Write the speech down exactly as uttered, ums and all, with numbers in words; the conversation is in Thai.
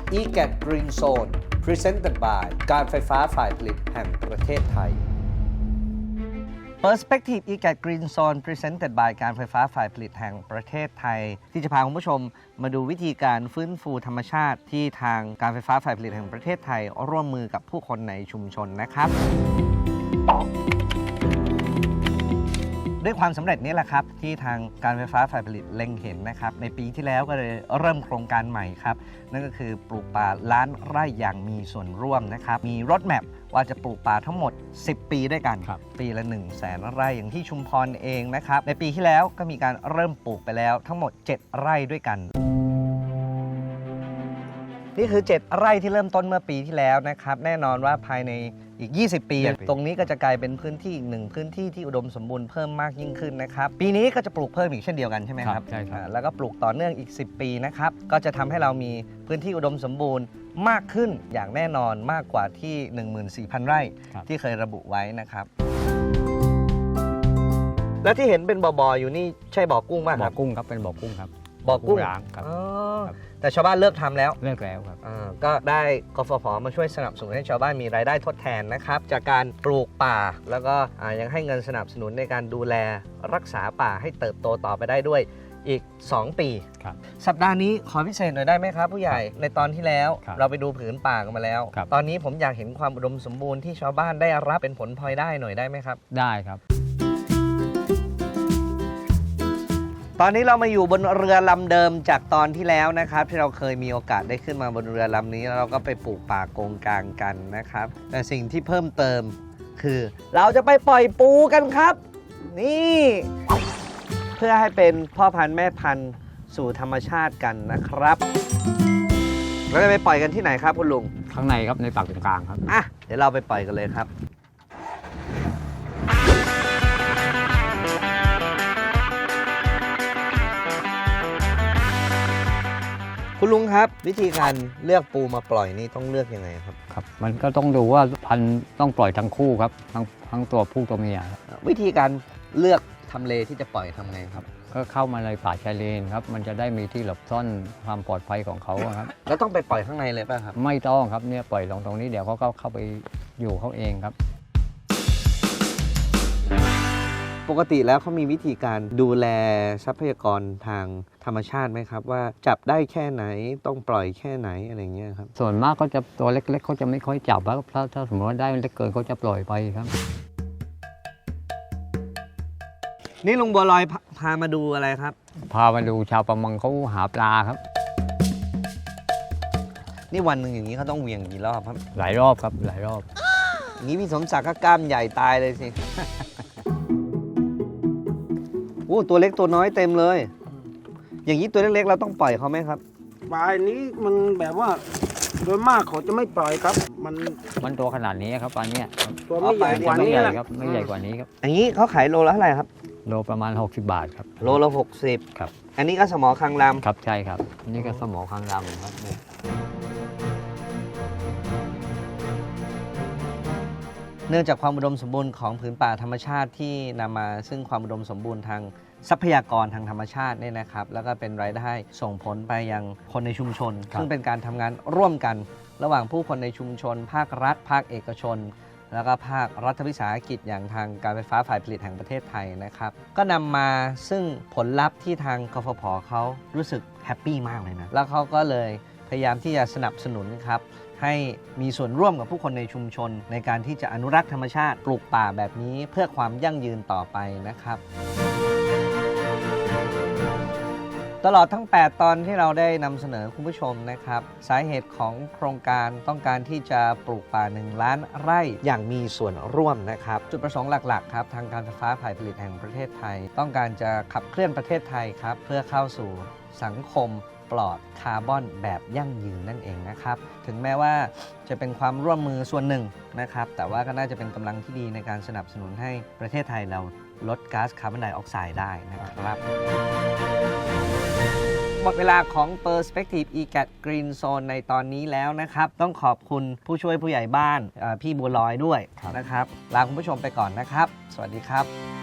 อี แกต Green Zone Presented by การไฟฟ้าฝ่ายผลิตแห่งประเทศไทย Perspective อี แกต Green Zone Presented by การไฟฟ้าฝ่ายผลิตแห่งประเทศไทยที่จะพาคุณผู้ชมมาดูวิธีการฟื้นฟูธรรมชาติที่ทางการไฟฟ้าฝ่ายผลิตแห่งประเทศไทยร่วมมือกับผู้คนในชุมชนนะครับด้วยความสำเร็จนี้แหละครับที่ทางการไฟฟ้าฝ่ายผลิตเล็งเห็นนะครับในปีที่แล้วก็เลยเริ่มโครงการใหม่ครับนั่นก็คือปลูกป่าล้านไร่อย่างมีส่วนร่วมนะครับมีรถแมพว่าจะปลูกป่าทั้งหมดสิบปีด้วยกันปีละหนึ่งแสนไร่อย่างที่ชุมพรเองนะครับในปีที่แล้วก็มีการเริ่มปลูกไปแล้วทั้งหมดเจ็ดไร่ด้วยกันนี่คือเจ็ดไร่ที่เริ่มต้นเมื่อปีที่แล้วนะครับแน่นอนว่าภายในอีกยี่สิบปีตรงนี้ก็จะกลายเป็นพื้นที่อีกหนึ่งพื้นที่ที่อุดมสมบูรณ์เพิ่มมากยิ่งขึ้นนะครับปีนี้ก็จะปลูกเพิ่มอีกเช่นเดียวกันใช่ไหมครับใช่ครับแล้วก็ปลูกต่อเนื่องอีกสิบปีนะครับก็จะทำให้เรามีพื้นที่อุดมสมบูรณ์มากขึ้นอย่างแน่นอนมากกว่าที่ หนึ่งหมื่นสี่พัน ไร่ที่เคยระบุไว้นะครับและที่เห็นเป็นบ่อๆอยู่นี่ใช่บ่อกุ้งไหมครับบ่อกุ้งครับเป็นบ่อกุ้งครับบ่อกุ้งร้างครับแต่ชาวบ้านเลิกทำแล้วเลิกแล้วครับก็ได้กฟผ.มาช่วยสนับสนุนให้ชาวบ้านมีรายได้ทดแทนนะครับจากการปลูกป่าแล้วก็ยังให้เงินสนับสนุนในการดูแลรักษาป่าให้เติบโตต่อไปได้ด้วยอีกสองปีสัปดาห์นี้ขอพิเศษหน่อยได้ไหมครับผู้ใหญ่ในตอนที่แล้วเราไปดูผืนป่ากันมาแล้วตอนนี้ผมอยากเห็นความอุดมสมบูรณ์ที่ชาวบ้านได้รับเป็นผลพลอยได้หน่อยได้ไหมครับได้ครับตอนนี้เรามาอยู่บนเรือลำเดิมจากตอนที่แล้วนะครับที่เราเคยมีโอกาสได้ขึ้นมาบนเรือลำนี้แล้วเราก็ไปปลูกป่าโกงกลางกันนะครับแต่สิ่งที่เพิ่มเติมคือเราจะไปปล่อยปูกันครับนี่เพื่อให้เป็นพ่อพันธุ์แม่พันธุ์สู่ธรรมชาติกันนะครับเราจะไปปล่อยกันที่ไหนครับคุณลุงข้างในครับในป่าตรงกลางครับอ่ะเดี๋ยวเราไปปล่อยกันเลยครับคุณลุงครับวิธีการเลือกปูมาปล่อยนี่ต้องเลือกยังไงครับครับมันก็ต้องดูว่าพันธุ์ต้องปล่อยทั้งคู่ครับทั้งทั้งตัวผู้ตัวเมียวิธีการเลือกทำเลที่จะปล่อยทำไงครับก็เข้ามาในป่าชายเลนครับมันจะได้มีที่หลบซ่อนความปลอดภัยของเขาครับแล้วต้องไปปล่อยข้างในเลยป่ะครับไม่ต้องครับเนี่ยปล่อยลงตรงนี้เดี๋ยวเขาก็เข้าไปอยู่เขาเองครับปกติแล้วเขามีวิธีการดูแลทรัพยากรทางธรรมชาติไหมครับว่าจับได้แค่ไหนต้องปล่อยแค่ไหนอะไรเงี้ยครับส่วนมากก็จะตัวเล็กๆเขาจะไม่ค่อยจับแล้วถ้าถ้าสมมติว่าได้เล็กเกินเขาจะปล่อยไปครับนี่ลุงบัวลอยพามาดูอะไรครับพามาดูชาวประมงเขาหาปลาครับนี่วันหนึ่งอย่างนี้เขาต้องเหวี่ยงกี่รอบครับหลายรอบครับหลายรอบอย่างนี้พี่สมศักดิ์ก็กล้ามใหญ่ตายเลยสิ โอ้ตัวเล็กตัวน้อยเต็มเลยอย่างนี้ตัวเล็กๆเราต้องปล่อยเขาไหมครับปลายนี้มันแบบว่าโดยมากเขาจะไม่ปล่อยครับมันมันตัวขนาดนี้ครับปลาเนี้ยตัวไม่ใหญ่กว่านี้ครับไม่ใหญ่กว่านี้ครับอย่างนี้เขาขายโลละเท่าไหร่ครับโลประมาณหกสิบบาทครับโลละหกสิบครับอันนี้ก็สมอคางลำครับใช่ครับนี่ก็สมอคางลำครับเนื่องจากความอุดมสมบูรณ์ของผืนป่าธรรมชาติที่นำมาซึ่งความอุดมสมบูรณ์ทางทรัพยากรทางธรรมชาติเนี่ยนะครับแล้วก็เป็นรายได้ส่งผลไปยังคนในชุมชนซึ่งเป็นการทำงานร่วมกันระหว่างผู้คนในชุมชนภาครัฐภาคเอกชนแล้วก็ภาครัฐวิสาหกิจอย่างทางการไฟฟ้าฝ่ายผลิตแห่งประเทศไทยนะครับก็นำมาซึ่งผลลัพธ์ที่ทางกฟผ.เขารู้สึกแฮปปี้มากเลยนะแล้วเขาก็เลยพยายามที่จะสนับสนุนครับให้มีส่วนร่วมกับผู้คนในชุมชนในการที่จะอนุรักษ์ธรรมชาติปลูกป่าแบบนี้เพื่อความยั่งยืนต่อไปนะครับตลอดทั้งแปดตอนที่เราได้นำเสนอคุณผู้ชมนะครับสาเหตุของโครงการต้องการที่จะปลูกป่าหนึ่งล้านไร่อย่างมีส่วนร่วมนะครับจุดประสงค์หลักๆครับทางการไฟฟ้าฝ่ายผลิตแห่งประเทศไทยต้องการจะขับเคลื่อนประเทศไทยครับเพื่อเข้าสู่สังคมปลอดคาร์บอนแบบยั่งยืนนั่นเองนะครับถึงแม้ว่าจะเป็นความร่วมมือส่วนหนึ่งนะครับแต่ว่าก็น่าจะเป็นกำลังที่ดีในการสนับสนุนให้ประเทศไทยเราลดก๊าซคาร์บอนไดออกไซด์ได้นะครับหมดเวลาของ Perspective อี แกต Green Zone ในตอนนี้แล้วนะครับต้องขอบคุณผู้ช่วยผู้ใหญ่บ้านพี่บัวลอยด้วยนะครับลาคุณผู้ชมไปก่อนนะครับสวัสดีครับ